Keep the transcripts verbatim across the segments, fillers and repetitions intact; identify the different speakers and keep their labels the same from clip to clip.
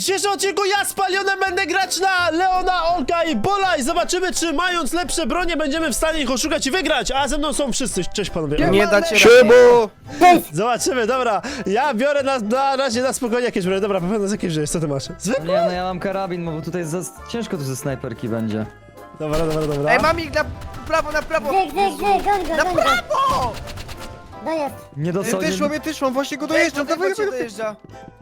Speaker 1: dzisiejszym odcinku ja z Palionem będę grać na Leona, Olka i Bola i zobaczymy, czy mając lepsze bronie będziemy w stanie ich oszukać i wygrać, a ze mną są wszyscy. Cześć panowie.
Speaker 2: Nie dacie
Speaker 3: Szybu!
Speaker 1: Zobaczymy, dobra. Ja biorę na, na razie na spokojnie jakieś bronie. Dobra, pewno z jakiej żyjesz, co ty masz? Zwykle?
Speaker 4: Nie, no ja mam karabin, bo tutaj za... ciężko tu ze snajperki będzie.
Speaker 1: Dobra, dobra, dobra.
Speaker 2: Ej, mam ich na prawo, na prawo!
Speaker 5: Gdzie, gdzie, gdzie, goń go,
Speaker 2: Na
Speaker 5: goń go.
Speaker 2: prawo!
Speaker 5: Dojazd.
Speaker 4: Nie
Speaker 3: Ja
Speaker 4: dostał...
Speaker 3: też mam, ja też mam, właśnie go dojeżdżam, dawaj,
Speaker 2: cię
Speaker 3: dawaj.
Speaker 2: dojeżdża.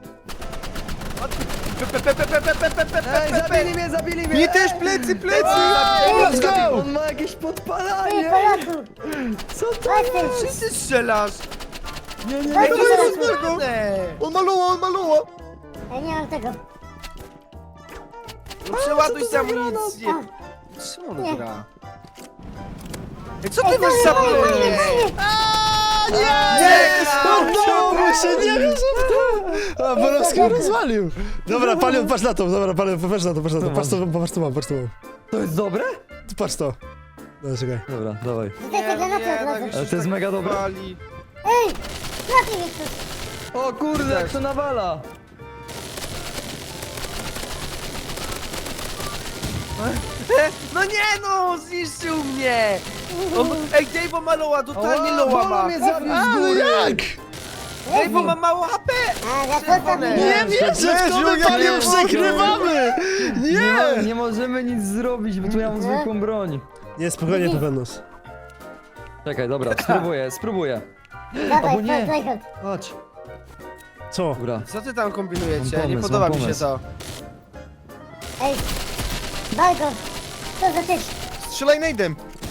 Speaker 2: Pe, pe, pe, pe, pe, pe, pe, pe, pe,
Speaker 4: Ej,
Speaker 2: pe,
Speaker 4: zabili mnie, zabili mnie!
Speaker 3: Nie też plecy, plecy!
Speaker 1: Let's go!
Speaker 4: On ma jakieś
Speaker 5: Ty,
Speaker 4: podpalanie!
Speaker 5: Polaku.
Speaker 4: Co to?
Speaker 5: Chodź ty.
Speaker 2: Wszyscy strzelasz!
Speaker 4: Nie, nie,
Speaker 5: Chodź
Speaker 4: nie!
Speaker 5: ty,
Speaker 3: to jest
Speaker 5: Polaku.
Speaker 3: złego.
Speaker 2: Nie.
Speaker 3: On maluła, on maluła!
Speaker 5: Ej, nie mam tego.
Speaker 2: No przeładuj
Speaker 4: co to za
Speaker 2: amunicję!
Speaker 5: A,
Speaker 2: Czemu
Speaker 5: Nie.
Speaker 2: on gra? Ej, co ty
Speaker 5: Ej,
Speaker 2: masz
Speaker 5: co
Speaker 2: za
Speaker 5: nie,
Speaker 2: broń?
Speaker 5: nie, nie, nie.
Speaker 1: Nie!
Speaker 2: Nie!
Speaker 1: Udało się, nie wierzę w to! A Borowski rozwalił! Dobra, Palion, patrz na to, dobra, Palion, patrz na to, patrz na to, patrz to, patrz to mam, patrz to mam.
Speaker 4: To jest dobre?
Speaker 1: Patrz to. Dobra, czekaj.
Speaker 4: Dobra, dawaj.
Speaker 5: Rzucaj te granaty od razu.
Speaker 2: już
Speaker 4: Ale to jest
Speaker 2: tak
Speaker 4: mega dobre.
Speaker 2: wali.
Speaker 5: Ej, trafi mnie ktoś.
Speaker 4: O kurde, jak to nawala!
Speaker 2: E, No nie no, zniszczył mnie! On, ej, Dave'o ma loła, totalnie loła
Speaker 4: Bolo
Speaker 2: ma!
Speaker 4: mnie zabił z
Speaker 1: Ale
Speaker 4: góry!
Speaker 1: jak?
Speaker 2: Dave'o ma mało H P!
Speaker 5: A, za co
Speaker 2: Czerwone.
Speaker 5: tam
Speaker 1: Nie
Speaker 5: nie?
Speaker 1: wierzę, w to my
Speaker 3: ja
Speaker 1: Palion
Speaker 3: nie mogę.
Speaker 1: przegrywamy!
Speaker 4: Nie, ma,
Speaker 1: Nie!
Speaker 4: nie możemy nic zrobić, bo tu ja mam zwykłą broń.
Speaker 1: Nie, spokojnie, Pepenos.
Speaker 4: Czekaj, dobra, spróbuję, spróbuję.
Speaker 5: Dawaj,
Speaker 4: Albo nie.
Speaker 5: strike out.
Speaker 4: Chodź.
Speaker 1: Co?
Speaker 4: Dobra.
Speaker 2: Co ty tam kombinujecie?
Speaker 4: Mam
Speaker 2: Nie
Speaker 4: pomysł,
Speaker 2: podoba
Speaker 4: mam
Speaker 2: mi się
Speaker 4: pomysł.
Speaker 2: to.
Speaker 5: Ej, Balko. Co za typ?
Speaker 3: Strzelaj najdem!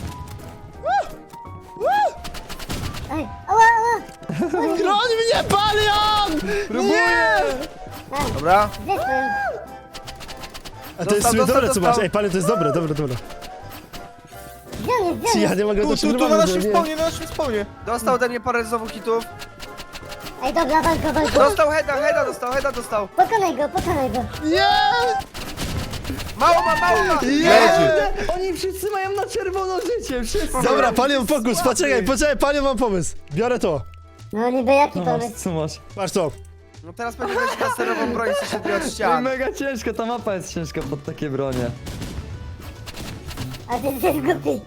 Speaker 5: Ej, ała, ała.
Speaker 1: Broń mnie, Palion! Nie!
Speaker 5: A,
Speaker 2: Dobra?
Speaker 5: zespół.
Speaker 1: A to jest
Speaker 2: Dostał,
Speaker 1: sobie
Speaker 2: dostał,
Speaker 1: dobre, co masz.
Speaker 2: dostał.
Speaker 1: Ej, Palion, to jest dobre, dobre, dobre.
Speaker 5: Gdzie on jest, gdzie on
Speaker 1: Ja
Speaker 5: jest?
Speaker 1: nie mogę
Speaker 3: Tu,
Speaker 1: to
Speaker 3: tu, tu na
Speaker 1: przegrywamy,
Speaker 3: naszym
Speaker 1: nie.
Speaker 3: spawnie, na naszym spawnie!
Speaker 2: Dostał ode mnie parę znowu hitów.
Speaker 5: Ej, dobra, Balko, Balko.
Speaker 2: Dostał heada, heada dostał, heada dostał.
Speaker 5: Pokonaj go, pokonaj go.
Speaker 1: Nie!
Speaker 2: Mało ma, mało ma!
Speaker 3: Leży!
Speaker 4: Oni wszyscy mają na czerwono życie, wszyscy!
Speaker 1: Dobra, Palion, fokus,
Speaker 2: Słaby.
Speaker 1: poczekaj, poczekaj, Palion, mam pomysł. Biorę to.
Speaker 5: No niby jaki
Speaker 4: No masz,
Speaker 5: pomysł?
Speaker 4: co masz?
Speaker 1: Patrz to.
Speaker 2: No teraz będzie mieć laserową broń, co się odbija od
Speaker 4: Ej,
Speaker 2: ścian.
Speaker 4: mega ciężka, ta mapa jest ciężka pod takie bronie.
Speaker 5: A ty jesteś głupi.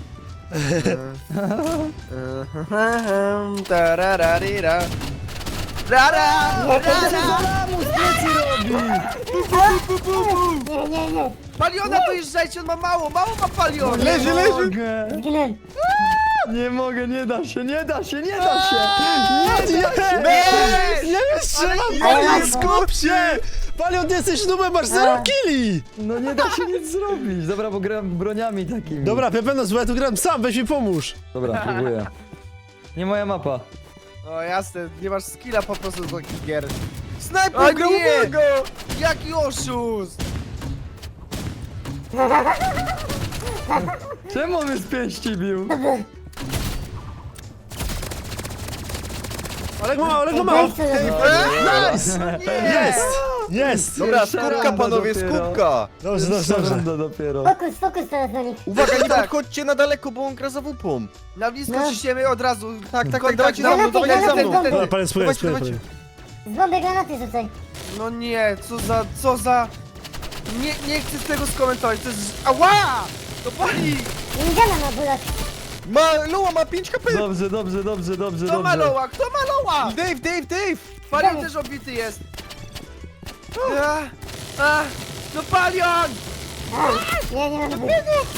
Speaker 2: Tarararira. Rara! Rara!
Speaker 4: Mu z plecy robi!
Speaker 5: Nie, nie, nie.
Speaker 2: Paliona dojeżdżajcie, on ma mało, mało ma palion!
Speaker 3: Leży,
Speaker 4: Nie
Speaker 3: leży!
Speaker 4: mogę.
Speaker 5: Zginąłem.
Speaker 4: Nie mogę, nie da się, nie da się, nie da się!
Speaker 1: Nie,
Speaker 2: Nie!
Speaker 1: nie, nie strzelam,
Speaker 5: Ale
Speaker 1: Palion,
Speaker 5: jak?
Speaker 1: skup się! Palion, ty jesteś nubem, masz zero
Speaker 5: A.
Speaker 1: killi!
Speaker 4: No nie da się nic zrobić. Dobra, bo gram broniami takimi.
Speaker 1: Dobra, Pepenos, bo ja tu gram sam, weź mi pomóż.
Speaker 4: Dobra, próbuję. Nie moja mapa.
Speaker 2: O jasne, nie masz skilla po prostu do takich gier. O
Speaker 3: Snajper, gra,
Speaker 2: nie!
Speaker 3: uwaga!
Speaker 2: Jaki oszust!
Speaker 4: Czemu on mnie z pięści bił?
Speaker 1: Olek ma, Olek ma.
Speaker 5: Weź co za-
Speaker 1: Nice! Jest! Jest!
Speaker 3: Dobra,
Speaker 4: Pierwsza
Speaker 3: skupka
Speaker 4: runda
Speaker 3: panowie,
Speaker 4: dopiero.
Speaker 3: skupka!
Speaker 1: Dobrze, dobrze,
Speaker 4: Pierwsza
Speaker 1: dobrze.
Speaker 4: runda dopiero.
Speaker 5: Fokus, fokus teraz na nich.
Speaker 3: Uwaga, nie
Speaker 2: Tak.
Speaker 3: podchodźcie na daleko, bo on gra za wupą.
Speaker 2: Na blisko
Speaker 5: No.
Speaker 2: ciśniemy od razu.
Speaker 3: Tak, tak, tak,
Speaker 2: Kontakt
Speaker 3: dawajcie za mną,
Speaker 5: Granaty,
Speaker 3: dawajcie za
Speaker 5: granaty,
Speaker 3: mną!
Speaker 5: granaty.
Speaker 1: Dobra, Palion, spróbuj,
Speaker 3: Dawajcie,
Speaker 1: spróbuj,
Speaker 3: dawajcie.
Speaker 1: Palion.
Speaker 5: Z bomby granaty rzucaj.
Speaker 2: No nie, co za, co za... Nie, nie chcę z tego skomentować, to jest... Ała! To boli!
Speaker 5: Indiana ma bulak.
Speaker 3: Ma, Loła ma pięć H P!
Speaker 4: Dobrze, dobrze, dobrze, dobrze,
Speaker 2: Kto ma
Speaker 4: dobrze.
Speaker 2: loła? Kto ma loła?
Speaker 3: Dave, Dave, Dave!
Speaker 2: Palion też obity jest. A, a, no Palion!
Speaker 5: A, nie, nie mam bulak.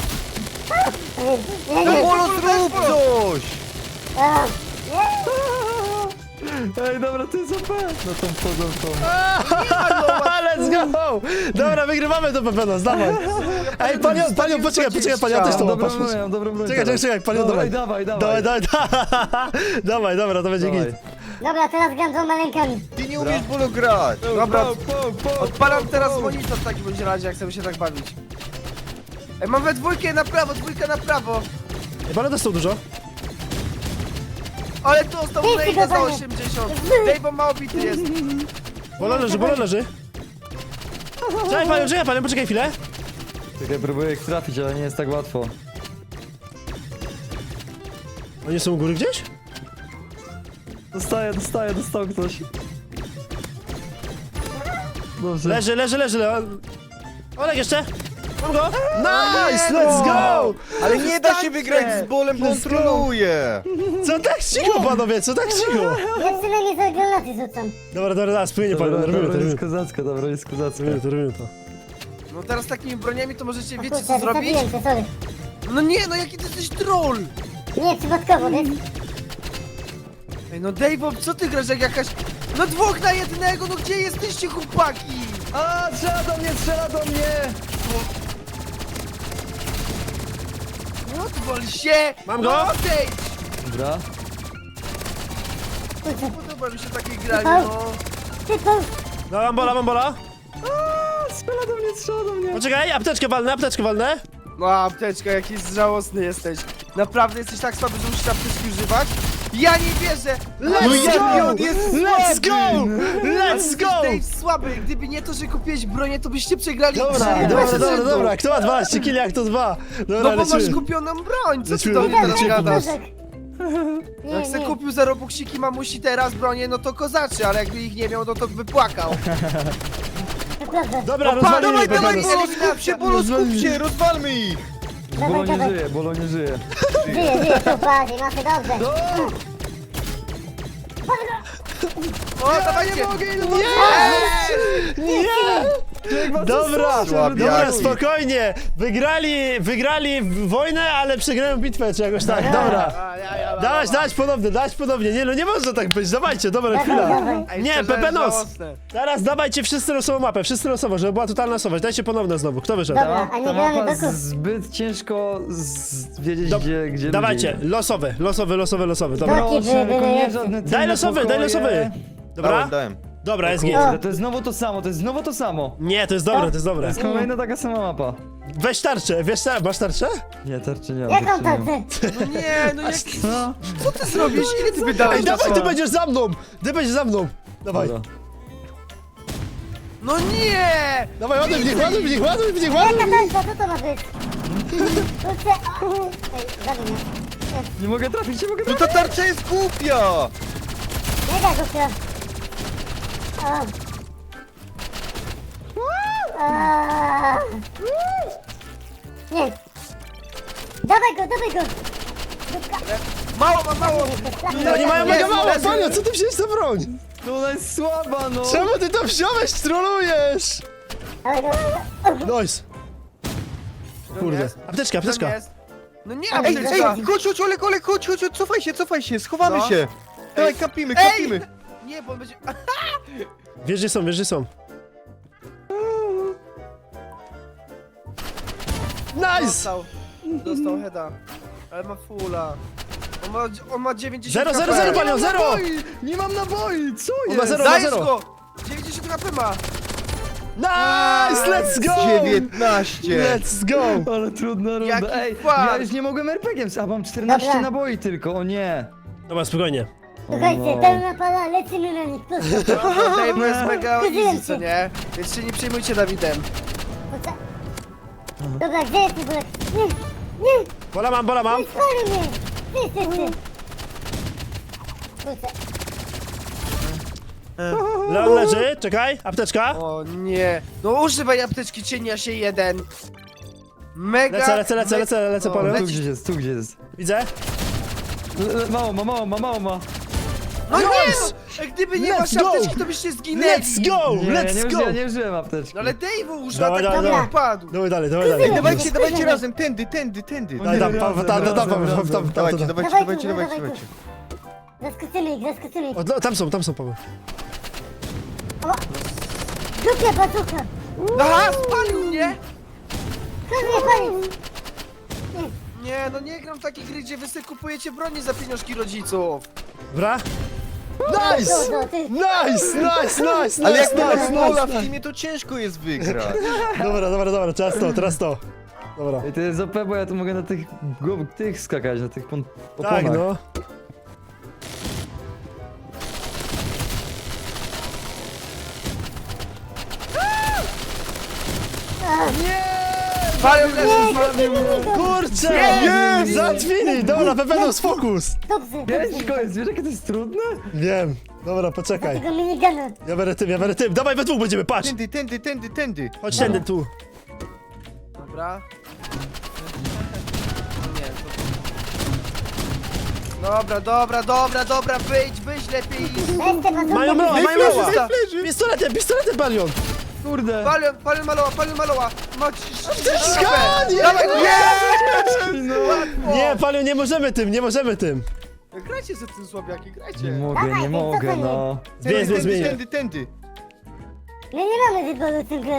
Speaker 5: Nie,
Speaker 3: No
Speaker 5: nie.
Speaker 3: Bolo, zrób coś!
Speaker 5: A, nie.
Speaker 4: Ej, dobra, to jest O P. No tą wchodzą tą.
Speaker 1: Let's go! Dobra, wygrywamy to, Pepenos, dawaj. Ej, Palion, Palion, poczekaj, poczekaj, Palion, też to mam,
Speaker 4: Dobrą
Speaker 1: patrz,
Speaker 4: broń,
Speaker 1: patrz.
Speaker 4: mam dobrą broń.
Speaker 1: Czekaj,
Speaker 4: teraz.
Speaker 1: czekaj, czekaj, Palion,
Speaker 4: Dawaj,
Speaker 1: dawaj.
Speaker 4: dawaj,
Speaker 1: Dawaj,
Speaker 4: dawaj.
Speaker 1: dawaj, dawaj, dobra, to będzie
Speaker 4: Dawaj.
Speaker 1: git.
Speaker 5: Dobra, teraz gram dwoma rękami.
Speaker 3: Ty nie umiesz Bolo grać!
Speaker 2: Dobra,
Speaker 4: Po, po, po,
Speaker 2: odpalam
Speaker 4: po,
Speaker 2: teraz
Speaker 4: po.
Speaker 2: monitor w takim bądź razie, jak chcemy się tak bawić. Ej, mam we dwójkę na prawo, dwójkę na prawo.
Speaker 1: Ej, Palion dostał dużo.
Speaker 2: Ale tu został
Speaker 5: Ty,
Speaker 2: Blade za
Speaker 5: ty,
Speaker 2: osiemdziesiąt. Dave'o ma obity jest.
Speaker 1: Bola leży, bola leży. Czekaj, Palion, czekaj, Palion, poczekaj chwilę.
Speaker 4: Czekaj, próbuję ich trafić, ale nie jest tak łatwo.
Speaker 1: Oni są u góry gdzieś?
Speaker 4: Dostaję, dostaję, dostał ktoś. dobrze.
Speaker 1: Leży, leży, leży, Leon. Olek jeszcze. Mam go. Nice, let's go.
Speaker 3: Ale nie da się wygrać z bolem, bo on
Speaker 1: Let's go.
Speaker 3: troluje.
Speaker 1: Co tak cicho, panowie, co tak cicho?
Speaker 5: Ja przynajmniej za granaty rzucam.
Speaker 1: Dobra, dobra, dobra, spłynie,
Speaker 4: Dobra,
Speaker 1: panowie, robimy to,
Speaker 4: dobra,
Speaker 1: robimy
Speaker 4: jest
Speaker 1: to.
Speaker 4: kozacka, dobra, jest kozacka.
Speaker 1: Robimy to, robimy to.
Speaker 2: No teraz takimi broniami to możecie,
Speaker 5: O
Speaker 2: wiecie
Speaker 5: kurczę,
Speaker 2: co zrobić?
Speaker 5: wysadziłem cię, sorry.
Speaker 2: No nie, no jaki ty jesteś troll!
Speaker 5: Nie, przypadkowo, wiesz?
Speaker 2: Ej, no Dave'o, co ty grasz jak jakaś... No dwóch na jednego, no gdzie jesteście chłopaki?
Speaker 4: A, strzela do mnie, strzela do mnie!
Speaker 2: No odwal się!
Speaker 1: Mam go?
Speaker 2: No odejdź!
Speaker 4: Dobra.
Speaker 5: Kurczę,
Speaker 2: Podoba mi się takie granie, no.
Speaker 5: tylko...
Speaker 1: No, mam bola, mam bola.
Speaker 4: A, strzela do mnie, strzela do mnie.
Speaker 1: Poczekaj, apteczkę walnę, apteczkę walnę.
Speaker 2: No apteczka, jakiś żałosny jesteś. Naprawdę jesteś tak słaby, że musisz apteczki używać? Ja nie wierzę!
Speaker 1: Let's
Speaker 2: No jaki
Speaker 1: go!
Speaker 2: on jest
Speaker 1: Let's go! Let's
Speaker 2: Jesteś,
Speaker 1: go!
Speaker 2: Dave, słaby! Gdyby nie to, że kupiłeś bronię, to byście przegrali
Speaker 1: Dobra,
Speaker 2: trzy,
Speaker 1: dobra,
Speaker 2: dwa
Speaker 1: dobra,
Speaker 2: rzędu.
Speaker 1: dobra, kto ma dwanaście killi, jak to dwa? Dobra,
Speaker 2: No bo masz
Speaker 1: lecimy.
Speaker 2: kupioną broń, co ty
Speaker 1: Lecimy,
Speaker 2: do mnie teraz
Speaker 1: lecimy.
Speaker 2: gadasz?
Speaker 5: Nie,
Speaker 2: Jak se
Speaker 5: nie.
Speaker 2: kupił za robuksiki mamusi teraz bronię, no to kozaczy, ale jakby ich nie miał, no to by płakał.
Speaker 5: To prawda.
Speaker 1: Dobra,
Speaker 2: No, pa,
Speaker 1: rozwalimy
Speaker 2: dawaj, dawaj,
Speaker 1: Pegasus.
Speaker 2: dawaj.
Speaker 3: Skup się, Bolo, skup się, rozwalmy ich.
Speaker 4: Bolo
Speaker 5: Dawaj,
Speaker 4: nie
Speaker 5: dawaj.
Speaker 4: żyje, Bolo nie żyje.
Speaker 5: Żyję, żyję, tu patrz, mamy dobrze.
Speaker 2: O, dawajcie!
Speaker 1: Nie! Dobra,
Speaker 3: Słabiaki.
Speaker 1: dobra, spokojnie. Wygrali, wygrali wojnę, ale przegrają bitwę czy jakoś tak, dobra.
Speaker 2: A, ja, ja,
Speaker 1: Dać, dać ponownie, dać ponownie. Nie no, nie może tak być, dawajcie, dobra,
Speaker 5: Dawaj,
Speaker 1: chwila.
Speaker 5: dawaj.
Speaker 2: Ej,
Speaker 1: Nie,
Speaker 2: szczerze,
Speaker 1: Pepenos.
Speaker 2: żałosne.
Speaker 1: Teraz dawajcie wszyscy losową mapę, wszyscy losowo, żeby była totalna losowość. Dajcie ponowne znowu, kto wyszedł?
Speaker 5: Dobra, a nie
Speaker 4: Ta
Speaker 5: gramy
Speaker 4: mapa
Speaker 5: doków.
Speaker 4: zbyt ciężko z... wiedzieć,
Speaker 1: Dob-
Speaker 4: gdzie, gdzie
Speaker 1: Dawajcie,
Speaker 4: ludzie
Speaker 1: losowy, losowy, losowy, losowy, dobra.
Speaker 5: Doki
Speaker 4: Proszę,
Speaker 5: były,
Speaker 4: tylko
Speaker 5: były
Speaker 4: nie
Speaker 5: jeszcze.
Speaker 4: żadne
Speaker 1: Daj
Speaker 4: tylne
Speaker 1: losowy, daj
Speaker 4: pokoje.
Speaker 1: losowy. Dobra?
Speaker 3: Dałem, dałem.
Speaker 1: Dobra, jest git.
Speaker 4: Kurde, to jest znowu to samo, to jest znowu to samo.
Speaker 1: Nie, to jest dobre, to jest
Speaker 4: To
Speaker 1: dobre.
Speaker 4: jest kolejna taka sama mapa.
Speaker 1: Weź tarczę, wiesz, tar- masz tarczę?
Speaker 4: Nie, tarczy nie.
Speaker 5: Jaką
Speaker 4: tarczy nie.
Speaker 5: tarczę?
Speaker 2: No nie, no jak...
Speaker 4: No,
Speaker 2: Co ty zrobisz? Ile ty wydałeś
Speaker 1: Ej,
Speaker 2: na
Speaker 1: dawaj,
Speaker 2: to?
Speaker 1: ty będziesz za mną! Ty będziesz za mną! Dawaj,
Speaker 4: dobra.
Speaker 2: No nie!
Speaker 1: dawaj, ładuj w nich, ładuj w nich, ładuj w nich, ładuj!
Speaker 5: Jaka tarcza, co to ma być? Kurczę, o. Ej, zabij mnie.
Speaker 4: Nie mogę trafić, nie mogę
Speaker 3: No
Speaker 4: trafić.
Speaker 3: ta tarcza jest głupia.
Speaker 5: Nie da go się. O. A. Nie. Dawaj go, dawaj go. Dupka.
Speaker 2: Mało, ma mało!
Speaker 1: No Oni mają mega
Speaker 2: Jezu,
Speaker 1: mało,
Speaker 2: Jezu.
Speaker 1: Panio, co ty wziąłeś za broń?
Speaker 4: No ona jest słaba, no.
Speaker 1: Czemu ty to wziąłeś, trolujesz?
Speaker 5: Dawaj go.
Speaker 1: Nice. Kurde,
Speaker 2: jest?
Speaker 1: apteczka,
Speaker 2: Tam
Speaker 1: apteczka.
Speaker 2: jest. No nie,
Speaker 3: Ej, ej,
Speaker 2: apteczka!
Speaker 3: chodź, chodź, Olek, Olek, chodź, chodź, chodź, cofaj się, cofaj się, schowamy
Speaker 2: No.
Speaker 3: się. Dawaj,
Speaker 2: Ej.
Speaker 3: kapimy,
Speaker 2: Ej!
Speaker 3: kapimy.
Speaker 2: Nie, bo on będzie...
Speaker 1: Wiesz, gdzie są, wiesz, gdzie są. Nice!
Speaker 2: Dostał. Dostał heada. Ale ma fulla. On ma, on ma dziewięćdziesiąt
Speaker 1: Zero, zero,
Speaker 2: H P.
Speaker 1: zero, Panio, zero!
Speaker 4: Naboi! Nie mam naboi, co
Speaker 1: On
Speaker 4: jest?
Speaker 1: ma zero, ma
Speaker 2: Dajesz
Speaker 1: zero.
Speaker 2: go! dziewięćdziesiąt H P ma!
Speaker 1: Nice, let's go!
Speaker 3: dziewiętnaście.
Speaker 1: Let's go!
Speaker 4: Ale trudna runda.
Speaker 2: Jaki
Speaker 4: Ej,
Speaker 2: fart.
Speaker 4: ja już nie mogłem er pe gie em, a mam czternaście
Speaker 5: Dobra.
Speaker 4: naboi tylko, o nie.
Speaker 1: Dobra, spokojnie.
Speaker 5: Słuchajcie,
Speaker 4: no.
Speaker 5: pełna para, lecimy na nich. Proszę.
Speaker 2: No, Dave jest mega
Speaker 5: Zgubiłem
Speaker 2: easy, co
Speaker 5: się.
Speaker 2: nie? Więc się nie przejmujcie Dawidem.
Speaker 5: Kurczę. Dobra, gdzie jest ten bulek? Nie, nie,
Speaker 1: Bola mam, bola mam.
Speaker 5: spalił mnie. Ty, ty, ty. Kurczę.
Speaker 1: Leon leży, czekaj, apteczka.
Speaker 2: O nie. No używaj apteczki cienia się jeden. Mega...
Speaker 1: Lecę, lecę, lecę,
Speaker 2: me-
Speaker 1: lecę, lecę,
Speaker 2: O,
Speaker 1: Paweł.
Speaker 4: Tu
Speaker 2: lecisz.
Speaker 4: gdzieś jest, tu gdzieś jest.
Speaker 1: Widzę.
Speaker 4: Le- le- Mało ma, mało ma, mało ma.
Speaker 2: No nie
Speaker 1: Nice.
Speaker 2: no! Jak gdyby nie
Speaker 1: Let's
Speaker 2: masz
Speaker 1: go.
Speaker 2: apteczki, to byście zginęli!
Speaker 1: Let's go,
Speaker 4: Nie, nie,
Speaker 1: let's go!
Speaker 4: użyłem, nie użyłem apteczki.
Speaker 2: No ale Dave'u używa,
Speaker 1: Dawaj,
Speaker 2: tak
Speaker 1: dawaj,
Speaker 2: nie
Speaker 1: dawaj.
Speaker 2: upadł.
Speaker 1: Dawaj dalej, dawaj dalej.
Speaker 3: Dawajcie, dawajcie razem, tędy, tędy, tędy.
Speaker 1: Daj, tam, tam, tam, tam, tam, tam, tam, tam, tam,
Speaker 3: Dawajcie,
Speaker 1: tam.
Speaker 3: dawajcie,
Speaker 5: Dawaj,
Speaker 3: dawajcie,
Speaker 5: kurwa,
Speaker 3: dawajcie,
Speaker 5: dawaj,
Speaker 3: dawajcie.
Speaker 5: Zaskoczymy ich, zaskoczymy ich.
Speaker 1: O, no, tam są, tam są, Paweł.
Speaker 5: Dupia bazuka.
Speaker 2: Aha, spalił mnie!
Speaker 5: Kto mnie palił?
Speaker 2: Nie, no nie gram w takie gry, gdzie wy sobie kupujecie broni za pieniążki rodziców.
Speaker 1: Dobra. Nice!
Speaker 5: No, no, ty.
Speaker 1: Nice, nice, nice,
Speaker 3: Ale jak
Speaker 1: nice,
Speaker 3: nie
Speaker 1: nice,
Speaker 3: masz Bola
Speaker 1: nice.
Speaker 3: w teamie, to ciężko jest wygrać.
Speaker 1: Dobra, dobra, dobra, teraz to, teraz to. Dobra.
Speaker 4: Ej, to jest o pe, bo ja tu mogę na tych, go, tych skakać, na tych pon- oponach.
Speaker 1: Tak, no.
Speaker 2: Palion leży.
Speaker 1: Kurczę!
Speaker 2: Nie!
Speaker 1: Zatwili! Dobra, Pepenos, fokus!
Speaker 5: Dobrze,
Speaker 4: Ciężko
Speaker 5: dobrze.
Speaker 4: jest, wiesz jakie to jest trudne?
Speaker 1: Wiem. Dobra, poczekaj.
Speaker 5: Tego minigana.
Speaker 1: Ja biorę tym, ja biorę tym. Dawaj, we dwóch będziemy, patrz!
Speaker 3: Tędy, tędy, tędy, tędy.
Speaker 1: Chodź tędy, tu.
Speaker 2: Dobra. Nie, to... Dobra, dobra, dobra, dobra, wyjdź, wyjdź lepiej.
Speaker 5: Weź te bazooki.
Speaker 1: Mają mała, mają
Speaker 3: leży,
Speaker 1: mała!
Speaker 3: leży.
Speaker 1: Pistoletem, pistoletem, Palion!
Speaker 4: Kurde.
Speaker 2: Palion, palion maloła, palion maloła. Ma
Speaker 1: Skanie!
Speaker 2: Dawaj,
Speaker 4: No.
Speaker 2: łatwo.
Speaker 1: Nie, Palion, nie możemy tym, nie możemy tym.
Speaker 2: Grajcie ze tym słabiaki,
Speaker 4: Nie
Speaker 2: grajcie.
Speaker 4: mogę,
Speaker 5: Dawaj,
Speaker 4: nie
Speaker 5: ty, co
Speaker 4: mogę,
Speaker 5: to
Speaker 4: no.
Speaker 1: Zmienię, zmienię,
Speaker 3: Tędy,
Speaker 1: zmienię.
Speaker 3: tędy, tędy.
Speaker 5: My nie mamy wyboru w tym grać.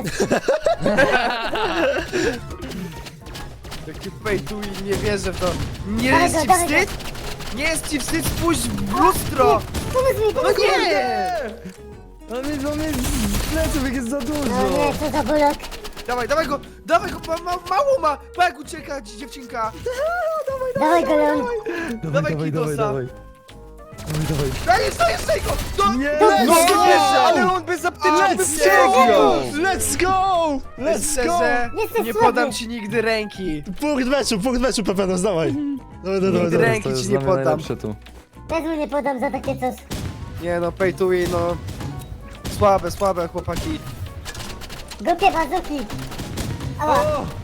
Speaker 2: Taki pay to win, nie wierzę w to. Nie
Speaker 5: Dawaj
Speaker 2: jest
Speaker 5: go,
Speaker 2: ci
Speaker 5: dawaj
Speaker 2: wstyd? Nie jest ci wstyd? Spójrz w lustro.
Speaker 5: Pomóż mi,
Speaker 2: No
Speaker 5: pomóż mi.
Speaker 2: nie!
Speaker 4: On jest, on jest z pleców, jak jest za
Speaker 5: No
Speaker 4: dużo.
Speaker 5: nie, co za bolok.
Speaker 2: Dawaj, dawaj go, dawaj go, ma, ma, mało ma. Pa jak ucieka ci dziewczynka.
Speaker 5: Dawaj go, Leon.
Speaker 4: Dawaj,
Speaker 2: Dawaj
Speaker 4: dawaj,
Speaker 2: kidosa.
Speaker 4: dawaj. Dawaj, dawaj.
Speaker 2: Daj, jeszcze, jeszcze go. Do...
Speaker 4: Nie!
Speaker 2: No,
Speaker 1: Let's
Speaker 2: nie
Speaker 1: go!
Speaker 2: wierzę.
Speaker 3: Ale on bez apteczki by
Speaker 1: Let's
Speaker 3: przegrał.
Speaker 1: go! Let's go! Let's go!
Speaker 2: Szczerze,
Speaker 5: Jesteś
Speaker 2: nie
Speaker 5: słaby.
Speaker 2: podam ci nigdy ręki.
Speaker 1: Punkt meczu, punkt meczu, Pepenos, dawaj. Dawaj, dawaj, dawaj. dawaj.
Speaker 2: Ręki
Speaker 4: To jest
Speaker 2: ci
Speaker 4: dla
Speaker 2: nie
Speaker 4: mnie
Speaker 2: poddam.
Speaker 4: najlepsze tu.
Speaker 5: Też mu nie podam za takie coś.
Speaker 2: Nie no, pay to win, no. Słabe, słabe chłopaki.
Speaker 5: Głupie bazooki. Ała.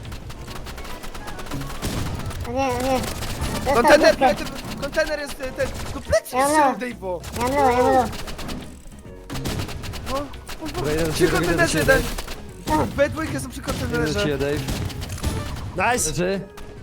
Speaker 5: O nie, o nie. Dostał
Speaker 2: Kontener,
Speaker 5: główkę.
Speaker 2: kontener, kontener jest ten, ten. No plecy
Speaker 5: Ja
Speaker 2: jest
Speaker 5: mam.
Speaker 2: w tej po.
Speaker 5: Ja mam loa, ja mam loa.
Speaker 2: No,
Speaker 4: Dobra, idę do
Speaker 2: przy
Speaker 4: ciebie, idę do
Speaker 2: kontenerze
Speaker 4: ciebie,
Speaker 2: jeden. We dwójkę są przy
Speaker 4: Idę do
Speaker 2: kontenerze.
Speaker 4: ciebie, Dave.
Speaker 1: Nice!
Speaker 4: Leży?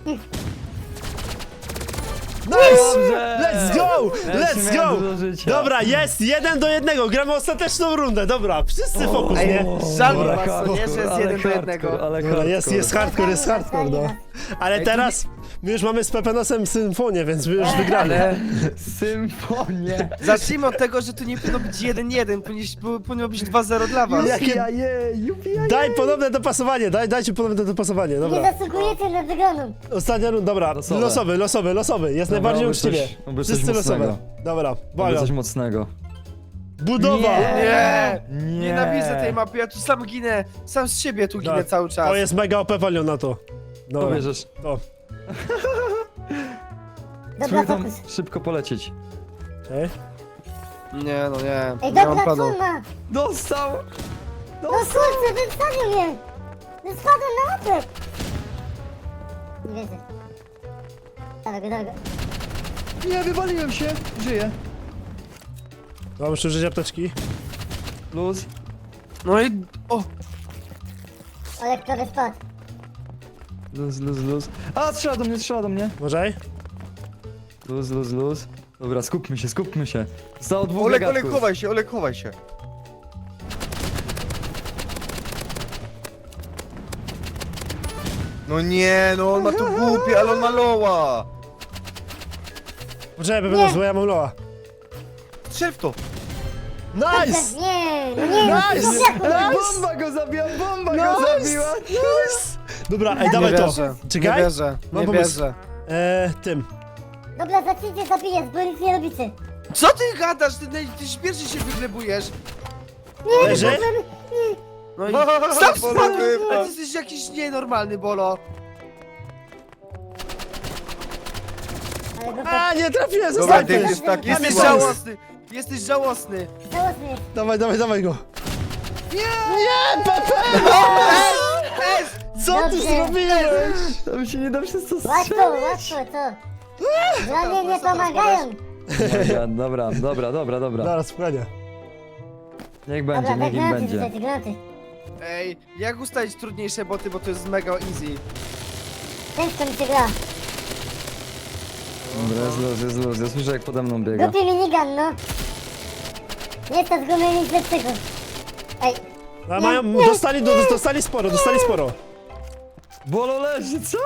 Speaker 1: Nice!
Speaker 4: Dobrze!
Speaker 1: Let's go!
Speaker 4: Ja jeszcze
Speaker 1: Let's
Speaker 4: miałem
Speaker 1: go!
Speaker 4: dużo życia.
Speaker 1: Dobra, jest jeden do jednego, gramy ostateczną rundę, dobra, wszyscy fokus,
Speaker 2: Ej,
Speaker 1: nie?
Speaker 2: żal mi
Speaker 1: Dobra,
Speaker 2: was, co nie, że jest
Speaker 4: ale
Speaker 2: jeden do
Speaker 4: hardcore,
Speaker 2: jednego.
Speaker 4: Ale
Speaker 1: Dobra, jest,
Speaker 4: hardcore.
Speaker 1: jest hardcore, jest hardcore, no. Ale
Speaker 2: Ej,
Speaker 1: teraz my już mamy z Pepenosem symfonię, więc my już wygrali.
Speaker 2: Ale
Speaker 4: Symfonię.
Speaker 2: zacznijmy od tego, że tu nie powinno być jeden jeden, powinno, powinno być dwa zero dla was.
Speaker 1: Jakie-
Speaker 4: Jakie... Jupi,
Speaker 1: Daj ponowne dopasowanie, daj, dajcie ponowne dopasowanie,
Speaker 5: Nie
Speaker 1: dobra.
Speaker 5: zasługujecie na wygraną.
Speaker 1: Ostatnia runda, dobra,
Speaker 4: Losowe.
Speaker 1: losowy, losowy, losowy, jest
Speaker 4: Dobra,
Speaker 1: najbardziej
Speaker 4: oby coś-
Speaker 1: uczciwie.
Speaker 4: oby coś
Speaker 1: Wszyscy losowe.
Speaker 4: mocnego.
Speaker 1: Dobra,
Speaker 4: Mamy
Speaker 1: błagam.
Speaker 4: coś mocnego.
Speaker 1: Budowa!
Speaker 2: Nie!
Speaker 4: Nie.
Speaker 2: Nienawidzę tej mapy, ja tu sam ginę, sam z siebie tu ginę
Speaker 1: Tak,
Speaker 2: cały czas.
Speaker 1: To jest mega O P Palion na to. Dobra,
Speaker 4: Pobierzesz.
Speaker 1: to.
Speaker 5: Dobra,
Speaker 4: Spróbuj tam
Speaker 5: fokus.
Speaker 4: szybko polecieć.
Speaker 1: Okej.
Speaker 2: Nie no nie,
Speaker 5: Ej,
Speaker 2: nie mam
Speaker 5: dobra,
Speaker 2: planu.
Speaker 5: co ma?
Speaker 4: Dostał!
Speaker 5: No kurczę, wystawił mnie. No spadłem na łapę. Nie wierzę. Dawaj go, dawaj go.
Speaker 4: Nie, wywaliłem się! Żyję.
Speaker 1: Dobra, muszę użyć apteczki.
Speaker 4: Luz.
Speaker 2: No i... O!
Speaker 5: Ale prawie spadł.
Speaker 4: Luz, luz, luz. A, strzela do mnie, strzela do mnie.
Speaker 1: Uważaj.
Speaker 4: Luz, luz, luz. Dobra, skupmy się, skupmy się. Zostało dwóch
Speaker 3: Olek, Olek,
Speaker 4: gagatków.
Speaker 3: chowaj się, Olek, chowaj się. No nie, no on ma tu głupie, ale on ma loła.
Speaker 1: Poczekaj, Pepenos, bo ja mam loa.
Speaker 3: Strzel w to.
Speaker 1: Nice!
Speaker 5: Nie, no nie, no
Speaker 1: Nice!
Speaker 5: ty
Speaker 1: Nice!
Speaker 4: Bomba go zabiła, bomba
Speaker 1: Nice!
Speaker 4: go zabiła!
Speaker 1: Nice! Dobra, ej,
Speaker 2: Nie
Speaker 1: dawaj to.
Speaker 2: wierzę, nie
Speaker 1: Czekaj.
Speaker 2: wierzę,
Speaker 1: Mam
Speaker 2: nie
Speaker 1: pomysł.
Speaker 2: wierzę.
Speaker 1: Eee, tym.
Speaker 5: Dobra, zacznijcie zabijać, bo nic nie robicie.
Speaker 2: Co ty gadasz? Ty, ty śmierci się wyglebujesz.
Speaker 5: Nie,
Speaker 1: Leży?
Speaker 5: nie, nie, nie.
Speaker 2: No i...
Speaker 3: Bolo,
Speaker 2: Sam
Speaker 3: Bolo,
Speaker 2: spadłem!
Speaker 3: wypadł.
Speaker 2: A ty jesteś jakiś nienormalny, Bolo.
Speaker 5: Ale go
Speaker 1: A, nie trafiłem,
Speaker 3: Dobra,
Speaker 1: zostań
Speaker 3: Dave
Speaker 1: ty.
Speaker 3: jest taki
Speaker 2: Jesteś
Speaker 1: Jest szans.
Speaker 2: żałosny. Jesteś żałosny.
Speaker 5: żałosny jest.
Speaker 1: Dawaj, dawaj, dawaj go. Nie! Nie, Pepe!
Speaker 2: Ej!
Speaker 1: Co ty
Speaker 5: Dobrze.
Speaker 1: zrobiłeś?
Speaker 4: Tam się nie da przez to
Speaker 5: Łatwo,
Speaker 4: strzelić.
Speaker 5: łatwo, co? Dla mnie nie pomagają.
Speaker 4: Dobra, dobra, dobra, dobra, dobra.
Speaker 1: Dobra, spokojnie.
Speaker 4: Niech
Speaker 5: Dobra,
Speaker 4: będzie,
Speaker 5: tak
Speaker 4: niech im
Speaker 5: granaty
Speaker 4: będzie.
Speaker 5: rzucajcie, granaty.
Speaker 2: Ej, jak ustalić trudniejsze boty, bo to jest mega easy.
Speaker 5: Ciężko mi się gra.
Speaker 4: Dobra, jest luz, jest luz. Ja słyszę jak pode mną biega.
Speaker 5: Głupi minigun, no. Nie stać go mieli nic lepszego. Ej,
Speaker 1: A mają, dostali, do, dostali sporo, dostali sporo.
Speaker 4: Bolo leży, co?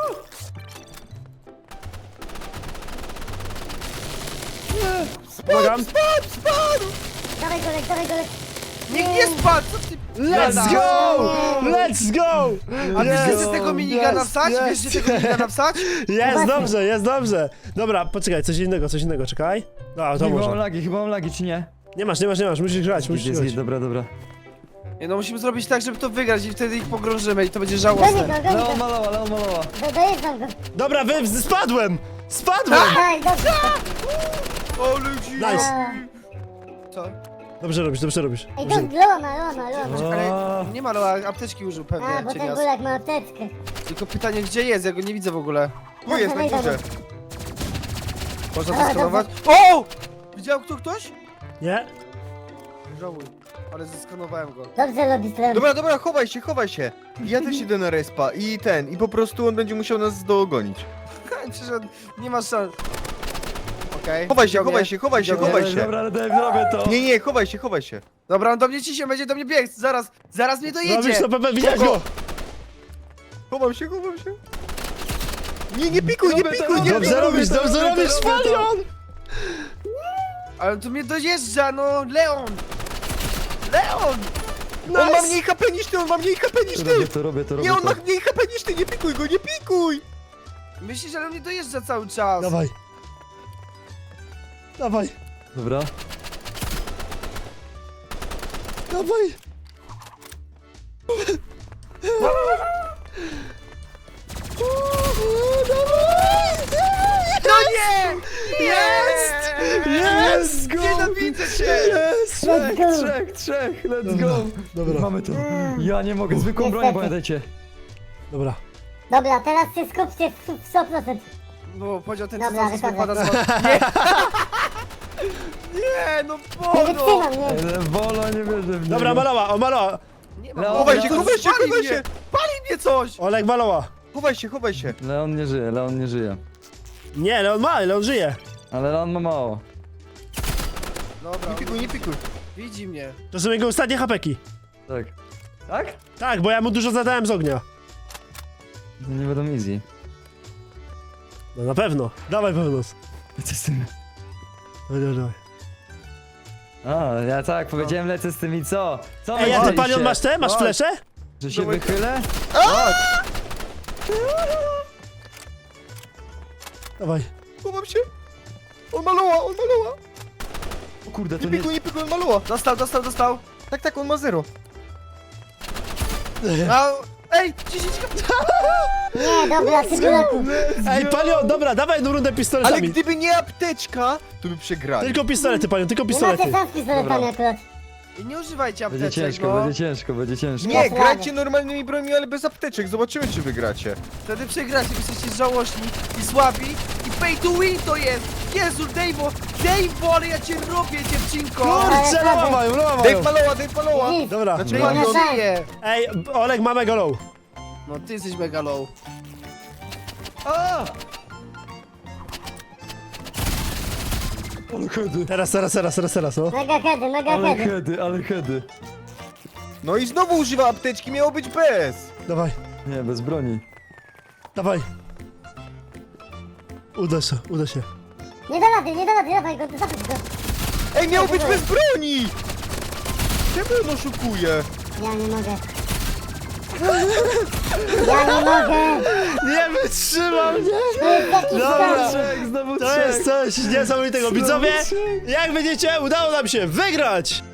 Speaker 1: Pomagam.
Speaker 5: dawaj go, lek, dawaj go, lek.
Speaker 2: Niech nie spadł, co ty...
Speaker 1: Let's go! Let's go!
Speaker 2: A wiesz,
Speaker 1: Yes,
Speaker 2: gdzie tego minigana
Speaker 1: yes,
Speaker 2: wsać?
Speaker 1: yes.
Speaker 2: Wiesz, gdzie tego minigana wsać?
Speaker 1: Jest dobrze, jest dobrze. Dobra, poczekaj, coś innego, coś innego, czekaj. No, to
Speaker 4: Chyba mam
Speaker 1: można.
Speaker 4: lagi, chyba mam lagi, czy nie?
Speaker 1: Nie masz, nie masz, nie masz, musisz grać, musisz
Speaker 4: Jest,
Speaker 1: grać.
Speaker 4: jest, dobra, dobra.
Speaker 2: Nie, no musimy zrobić tak, żeby to wygrać i wtedy ich pogrążymy i to będzie
Speaker 5: Goni
Speaker 2: żałosne.
Speaker 5: go, goni
Speaker 4: Leon
Speaker 5: go.
Speaker 4: malowa, Leon malowa.
Speaker 5: Do, dojeżdżam go.
Speaker 1: Dobra, wy, spadłem! Spadłem!
Speaker 5: Daj, dobrze.
Speaker 2: O ludzi!
Speaker 1: Nice.
Speaker 5: A,
Speaker 2: Co?
Speaker 1: Dobrze robisz, dobrze robisz.
Speaker 5: Ej, to
Speaker 1: Dobrze.
Speaker 5: jest Leona, Leona, Leona.
Speaker 2: Ale nie ma, ale apteczki użył
Speaker 5: A,
Speaker 2: pewnie,
Speaker 5: bo ten
Speaker 2: cienias.
Speaker 5: bulak ma apteczkę.
Speaker 2: Tylko pytanie, gdzie jest? Ja go nie widzę w ogóle.
Speaker 3: Tu jest na
Speaker 5: Wejdę,
Speaker 3: górze.
Speaker 2: Można
Speaker 5: A,
Speaker 2: to skanować? O! Widział kto ktoś?
Speaker 1: Nie?
Speaker 2: Żałuj, ale zeskanowałem go.
Speaker 5: Dobrze robisz, Leon.
Speaker 3: Dobra, dobra, chowaj się, chowaj się. Ja też idę na respa i ten, i po prostu on będzie musiał nas dogonić.
Speaker 2: Przecież on nie ma szans. Okej.
Speaker 3: Chowaj się,
Speaker 2: widział
Speaker 3: chowaj
Speaker 2: mnie.
Speaker 3: się, chowaj się,
Speaker 2: Widział
Speaker 3: chowaj
Speaker 2: mnie.
Speaker 3: się.
Speaker 4: Dobra, ale daj, zrobię to.
Speaker 3: Nie, nie, chowaj się, chowaj się.
Speaker 2: Dobra, on do mnie ciśnie, będzie do mnie biegł, zaraz, zaraz mnie dojedzie.
Speaker 1: Robisz to, Pepe, widziałeś go!
Speaker 3: Chowam się, chowam się. Nie, nie pikuj, nie
Speaker 4: Robię to,
Speaker 3: pikuj, nie
Speaker 4: robię
Speaker 1: Dobrze
Speaker 3: pikuj.
Speaker 1: robisz, dobrze
Speaker 4: robię to,
Speaker 1: robisz,
Speaker 4: robię to.
Speaker 1: Falion!
Speaker 2: Ale tu mnie dojeżdża, no, Leon! Leon!
Speaker 3: On ma mniej H P niż ty, on ma mniej H P niż
Speaker 4: Robię
Speaker 3: ty.
Speaker 4: to, robię to, robię
Speaker 3: Nie, on
Speaker 4: to.
Speaker 3: ma mniej H P niż ty, nie pikuj go, nie pikuj.
Speaker 2: Myślisz, że on mnie dojeżdża cały czas?
Speaker 1: Dawaj. Dawaj,
Speaker 4: Dobra.
Speaker 1: dawaj.
Speaker 2: No nie!
Speaker 1: Jest! Jest!
Speaker 2: Nienawidzę cię!
Speaker 1: Jest!
Speaker 5: Let's go.
Speaker 4: Trzech, trzech, let's
Speaker 1: Dobra,
Speaker 4: go.
Speaker 1: dobra.
Speaker 4: Mamy to. Ja nie mogę, zwykłą broń,
Speaker 5: Niestety.
Speaker 4: pamiętajcie.
Speaker 1: Dobra.
Speaker 5: Dobra, teraz się skupcie w sto procent.
Speaker 2: No, powiedział ten,
Speaker 5: Dobra,
Speaker 2: co
Speaker 5: wychodzę.
Speaker 2: spada z was. Nie! Nie, no
Speaker 5: Nie
Speaker 2: Bono!
Speaker 5: wytrzymam, nie.
Speaker 4: Ej, Wolo, nie wierzę w niego.
Speaker 1: Dobra, maloła, o maloła.
Speaker 2: Nie ma
Speaker 4: Leon,
Speaker 3: Chowaj się,
Speaker 2: to
Speaker 3: chowaj się,
Speaker 2: pali
Speaker 3: chowaj
Speaker 2: mnie.
Speaker 3: się.
Speaker 2: Pali mnie coś!
Speaker 1: Oleg maloła.
Speaker 3: Chowaj się, chowaj się.
Speaker 4: Leon nie żyje, Leon nie żyje.
Speaker 1: Nie, Leon ma, Leon żyje.
Speaker 4: Ale Leon ma mało.
Speaker 2: Dobra,
Speaker 3: Nie pikuj, nie pikuj.
Speaker 2: widzi mnie.
Speaker 1: To są jego ostatnie hapeki.
Speaker 4: Tak. Tak?
Speaker 1: Tak, bo ja mu dużo zadałem z ognia.
Speaker 4: To nie będą easy.
Speaker 1: No na pewno. Dawaj, Pewnos.
Speaker 4: Lecę z tym.
Speaker 1: Dawaj, dawaj, dawaj.
Speaker 4: A, ja tak, powiedziałem lecę z tym i co? Co
Speaker 1: Ej, a ty,
Speaker 4: myśleliście?
Speaker 1: Palion, masz te? Masz
Speaker 2: Chodź.
Speaker 1: flesze?
Speaker 4: Że się
Speaker 3: Dawaj.
Speaker 4: wychylę?
Speaker 1: Dawaj.
Speaker 3: Chowam się. On maloła, on maloła.
Speaker 4: O kurde, to
Speaker 3: Nie
Speaker 4: nie...
Speaker 3: pikuj, nie pikuj, on maloła.
Speaker 2: Dostał, dostał, dostał.
Speaker 3: Tak, tak, on ma zero.
Speaker 2: A, ej, dziesięć
Speaker 5: Nie, dobra, ty bulaku.
Speaker 1: Ej, Palion, dobra, dawaj jedną rundę
Speaker 3: Ale
Speaker 1: pistoletami.
Speaker 3: gdyby nie apteczka, to by przegrali.
Speaker 1: Tylko pistolety, Palion, tylko
Speaker 5: Nie macie
Speaker 1: pistolety.
Speaker 5: szans z pistoletami akurat.
Speaker 2: I nie używajcie
Speaker 4: Będzie
Speaker 2: apteczek,
Speaker 4: ciężko,
Speaker 2: bo
Speaker 4: będzie ciężko, będzie ciężko.
Speaker 3: Nie,
Speaker 5: Bez
Speaker 3: grajcie
Speaker 5: rady.
Speaker 3: normalnymi broniami, ale bez apteczek. Zobaczymy, czy wygracie.
Speaker 2: wtedy przegracie, bo jesteście żałośni i słabi i pay to win to jest! Jezu, Dave'o, Dave'o, ale ja cię robię, dziewczynko!
Speaker 1: Kurczę, loła mają, loła
Speaker 3: Dave
Speaker 1: mają.
Speaker 3: maloła, Dave maloła.
Speaker 5: Nic.
Speaker 1: Dobra.
Speaker 3: Znaczy,
Speaker 5: Nie
Speaker 2: Ja
Speaker 5: ma
Speaker 2: nie
Speaker 5: szans.
Speaker 2: żyję!
Speaker 1: Ej, Oleg ma mega low.
Speaker 2: No ty jesteś mega low.
Speaker 4: A! Ale hedy,
Speaker 1: Teraz, teraz, teraz, teraz, teraz, no.
Speaker 5: Mega hedy, mega
Speaker 4: ale
Speaker 5: hedy.
Speaker 4: hedy, ale hedy.
Speaker 3: No i znowu używa apteczki, miało być bez.
Speaker 1: Dawaj,
Speaker 4: Nie, bez broni.
Speaker 1: dawaj. Uda się, uda się.
Speaker 5: Nie da rady, nie da rady, dawaj go, zapisz go.
Speaker 3: Ej, miało być bez broni. Czemu on oszukuje?
Speaker 5: Ja nie mogę. Ja nie mogę.
Speaker 1: Nie wytrzymam, nie?
Speaker 5: To jest jakiś
Speaker 1: Dobra.
Speaker 5: skandal.
Speaker 4: Trzech, znowu
Speaker 1: To
Speaker 4: trzech.
Speaker 1: jest coś niesamowitego.
Speaker 4: Znowu
Speaker 1: Widzowie,
Speaker 4: trzech.
Speaker 1: jak widzicie, udało nam się wygrać!